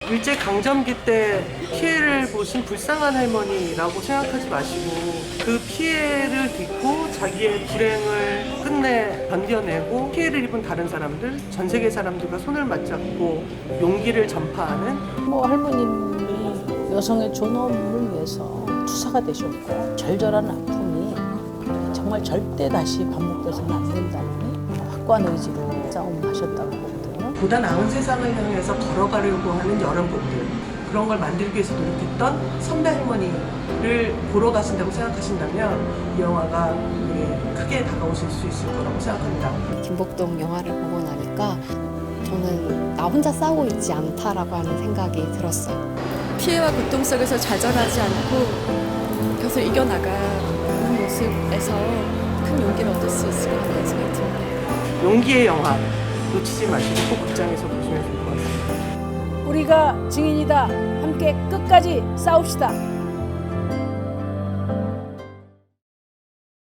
일제강점기 때 피해를 보신 불쌍한 할머니라고 생각하지 마시고 그 피해를 딛고 자기의 불행을 끝내 견뎌내고 피해를 입은 다른 사람들, 전 세계 사람들과 손을 맞잡고 용기를 전파하는 할머님이 여성의 존엄을 위해서 투사가 되셨고 절절한 아픔이 정말 절대 다시 반복돼서는 안 된다는 확고한 의지로 싸움하셨다고 보거든요. 보다 나은 세상을 향해서 걸어가려고 하는 여러분들, 그런 걸 만들기 위해서 노력했던 선배 할머니를 보러 가신다고 생각하신다면 이 영화가 되게 크게 다가오실 수 있을 거라고 생각합니다. 김복동 영화를 보고 나니까 저는 나 혼자 싸우고 있지 않다라고 하는 생각이 들었어요. 피해와 고통 속에서 좌절하지 않고 계속 이겨나가는 모습에서 큰 용기를 얻을 수 있을 것 같다는 생각이 듭니다. 용기의 영화 놓치지 마시고 꼭 극장에서 보시면 좋을 것 같습니다. 우리가 증인이다. 함께 끝까지 싸웁시다.